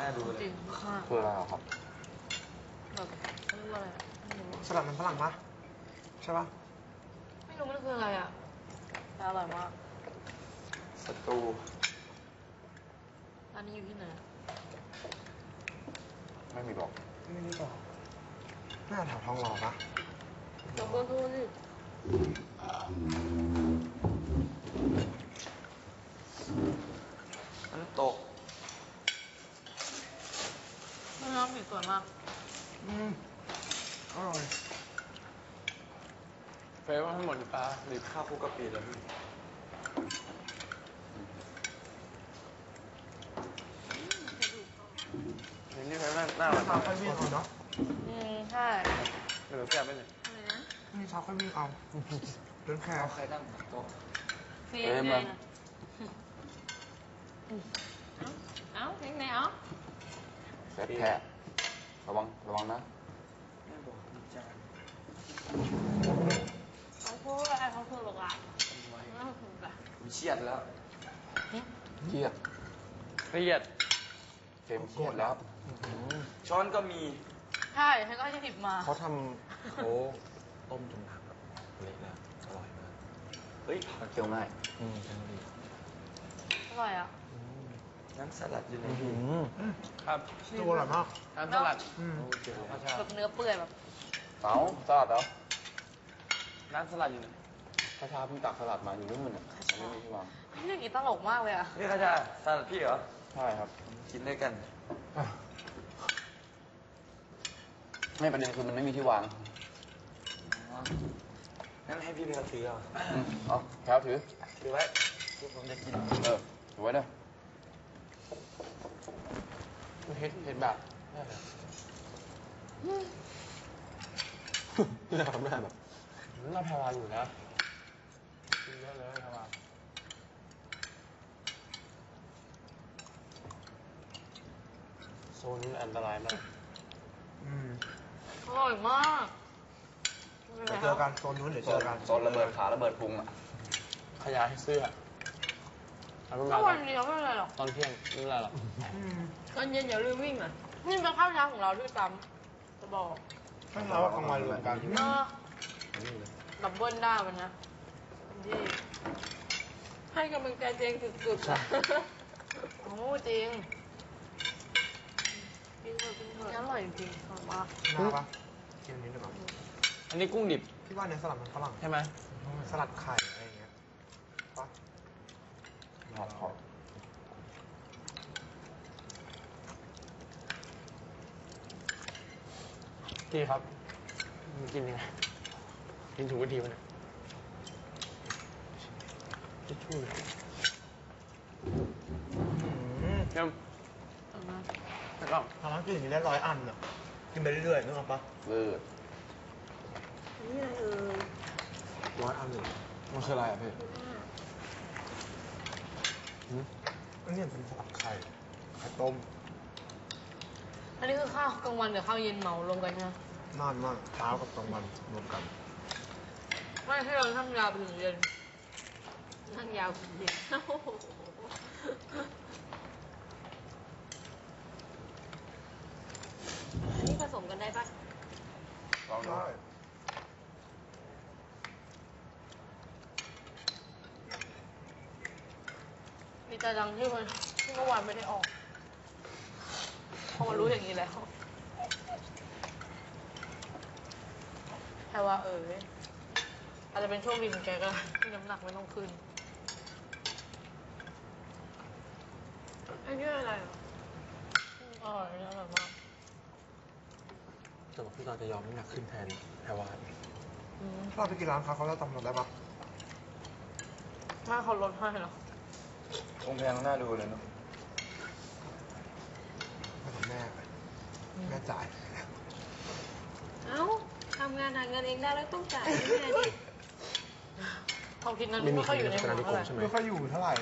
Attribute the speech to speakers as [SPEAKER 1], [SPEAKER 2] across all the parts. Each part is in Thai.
[SPEAKER 1] ดูเลย
[SPEAKER 2] จริงมาก
[SPEAKER 3] คืออะไรครับ
[SPEAKER 2] แบบเรียกว่าอะไรอะไม่รู้
[SPEAKER 4] สลัดมันฝรั่งปะใช่ปะ
[SPEAKER 2] ไม่รู้มันคืออะไรอ่ะแต่อร่อยมาก
[SPEAKER 3] สตู
[SPEAKER 2] ร้านนี้อยู่ที่ไหนอะ
[SPEAKER 3] ไม่มีบอก
[SPEAKER 4] ไม่ได้บอกน่าแถวทองหล่อปะ
[SPEAKER 2] เดี๋ยวเบอร์โทรสิ
[SPEAKER 1] น้ำตก
[SPEAKER 2] น้ำสีสวยมาก
[SPEAKER 4] อร่อย
[SPEAKER 3] เฟรว่าทั้งหมดปลาหรือ
[SPEAKER 1] ข้าวคลุกกะปิแล้วพี่
[SPEAKER 3] นี่เฟรน่าอร่อย
[SPEAKER 4] ชาค่อยวิ่งเอาเนาะ
[SPEAKER 2] ใช่
[SPEAKER 3] หรือแซ่บไปเลย
[SPEAKER 2] อะไรนะ
[SPEAKER 4] นี่ชาค่อยวิ่งเอาเดินแค่
[SPEAKER 1] เอาใครตั้งโต๊ะ
[SPEAKER 2] เฟซไงนะเอ้าเล็กไหนเอ้า
[SPEAKER 3] แซ่บแท้ระวังนะ
[SPEAKER 1] แม่บอกมีจาน
[SPEAKER 2] เขาพูดอะไรเขาพูดหรอกอ่ะ
[SPEAKER 1] ทำไว้
[SPEAKER 2] ไม่ถูกอ่ะ
[SPEAKER 1] มีเชียดแล้ว
[SPEAKER 3] เครียดเฟรมเครียดแล้ว
[SPEAKER 1] ช้อนก็มี
[SPEAKER 2] ใช่ฉันก็จะหยิบมา
[SPEAKER 4] เขาทำเขาต้มจนน้ำแบบเละแล้วอร่อยมาก
[SPEAKER 1] เฮ้ย
[SPEAKER 3] เคี้ยวง่าย
[SPEAKER 4] ใช่ดี
[SPEAKER 2] อร่อยอ่ะ
[SPEAKER 1] น้ำสลัดอยู่ไหน
[SPEAKER 3] ครับ
[SPEAKER 4] ตัวอร่อยมาก
[SPEAKER 3] น้ำสลัด
[SPEAKER 1] โอ้เจ๋ง
[SPEAKER 3] ข้าวชา
[SPEAKER 2] แบบเนื้อเปื่อยแบบ
[SPEAKER 3] เอ้าสลัดเหรอน้ำสลัดอยู่ไหนข้าวชาเพิ่งตักสลัดมาอยู่นู่นน่ะไม่มีที่วาง
[SPEAKER 2] เรื่องนี้ตลกมากเลยอ่ะ
[SPEAKER 1] นี่ข้าชาสลัดพี่เหรอ
[SPEAKER 3] ใช่ครับ
[SPEAKER 1] กินด้วยกัน
[SPEAKER 3] ไม่ประเด็นคือมันไม่มีที่วาง
[SPEAKER 1] งั้นให้พี่ไปเอาถือเอา
[SPEAKER 3] เอาแถวถือ
[SPEAKER 1] ถือไว้ที่ผมจะกิน
[SPEAKER 3] ถือไว้เด้อเห็ดแบบน่าทำได้แบบน่าพาวาอยู่นะกินเยอะเลยพาวาโซนนี้อันตรายมาก
[SPEAKER 2] อร่อยมาก
[SPEAKER 4] เดี๋ยวเจอกันโซนนู้นเดี๋ยวเจอกัน
[SPEAKER 3] โซนระเบิดขาระเบิดพุงอ่ะขยายเสื้อเอาไป
[SPEAKER 2] ก็
[SPEAKER 3] มา
[SPEAKER 2] วันเดียวไม่เป็นไรหรอก
[SPEAKER 3] ตอนเที่ยงไม่เป็นไรหรอก
[SPEAKER 2] ตอนเย็นอย่าลืมวิ่งอ่ะ นี่เป็นข้าวเช้าของเราด้วยซ้ำจะบอก
[SPEAKER 4] ข้างเราว่ากลางวันรวมกัน
[SPEAKER 2] ดับเบิลได้วันนะที่ให้กำลังใจเจงสุดๆอะโอ้จริงกินเถอะกินเถอะอร่อยจริงๆอร่อยมาก
[SPEAKER 4] น่าปะกินอันนี้ดีกว่า
[SPEAKER 3] อันนี้กุ้งดิบ
[SPEAKER 4] พี่ว่าเนื้อสลัดมันฝรั่ง
[SPEAKER 3] ใช่ไหม
[SPEAKER 4] สลัดไข่อะไรอย่างเงี้ยปะ
[SPEAKER 3] ผัดขอบพี่ครับกินยังไงกินถูกวิธีมันทิชชู่เลยเยี่ยมแล้วก็
[SPEAKER 4] ทำร้านกินอย่างนี้ได้100 อันอ่ะกินไปเรื่อยๆนึกออกปะ
[SPEAKER 3] เลิศ
[SPEAKER 2] นี่อะไร
[SPEAKER 4] 100 อันเลย
[SPEAKER 3] มันคืออะไรอ่ะพี่
[SPEAKER 4] อันนี้เป็นสลัดไข่ไข่ต้ม
[SPEAKER 2] อันนี้คือข้าวกลางวันกับข้าวเย็นเหมารวมกันใช่ไหม
[SPEAKER 4] นานมากเช้ากับกลางวันรวมกัน
[SPEAKER 2] ไม่ให้เรานั่งยาวไปถึงเย็นนั่งยาวไปถึงเย็นโอ้โหอันนี้ผสมกันได้ปะ
[SPEAKER 3] ลองดู
[SPEAKER 4] ใช่
[SPEAKER 2] มีแต่ดังที่มันที่เมื่อวานไม่ได้ออกพอมารู้อย่างนี้แล้วแค่ว่าอาจจะเป็นโชคดีของแกก็ได้ที่น้ำหนักไม่ต้องขึ้นไอ้นี่อะไรอ่ะอร่อยอร่อยมาก
[SPEAKER 4] แต่ว่าพี่ตอนจะยอมไม่อยากขึ้นแทนแพรวาน
[SPEAKER 2] อืม
[SPEAKER 4] ถ้าเราไปกินร้านเขาจะจำเราได้ปะ
[SPEAKER 2] ถ้าเขาลดให้เหรอ
[SPEAKER 1] คงแพงน่าดูเลยเนาะ
[SPEAKER 4] ไม่ของแม่แม่จ่าย
[SPEAKER 5] เอ้าทำงานหาเงินเองได้แล้วต้องจ่ายด้วยนะดิ
[SPEAKER 2] เขาคิดนั้นไม่ค่อยอยู่ในหัวเท่าไหร่
[SPEAKER 4] ไม่ค่อยอยู่เท่าไหร่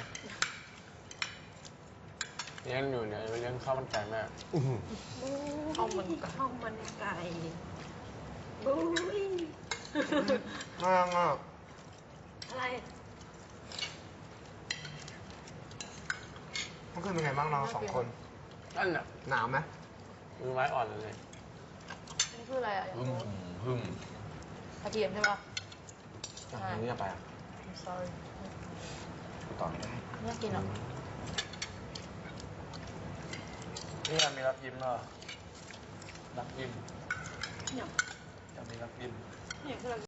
[SPEAKER 3] เลี้ยงอยู่เนี่ยไปเลี้ยงข้าวมันไก่แม่
[SPEAKER 2] ข้าวมันไก่
[SPEAKER 5] ข้าวมันไก่บุ้ย
[SPEAKER 4] น่ารักอ่ะ
[SPEAKER 5] อะไร
[SPEAKER 4] เมื่อคืนเป็นไงบ้างเรา2 คน
[SPEAKER 3] นั่นน่ะ
[SPEAKER 4] หนาวไหม
[SPEAKER 3] มือไม้อ่อนเลย
[SPEAKER 2] อันนี้คืออะไรอ่ะอยาก
[SPEAKER 4] หึ่ม
[SPEAKER 2] รู้
[SPEAKER 4] หึ่ม
[SPEAKER 2] กระเทียมใช่ปะ
[SPEAKER 4] จากนี้ไปอ่ะ
[SPEAKER 2] I'm sorry
[SPEAKER 4] ต่อไม่ได้
[SPEAKER 2] ไม่อยากกินหรอ
[SPEAKER 1] นี่มันมีรับยิ้มเหรอรับยิ้ม
[SPEAKER 5] เนี่ย
[SPEAKER 1] จะมีรับยิ้ม
[SPEAKER 5] เนี่ยคือ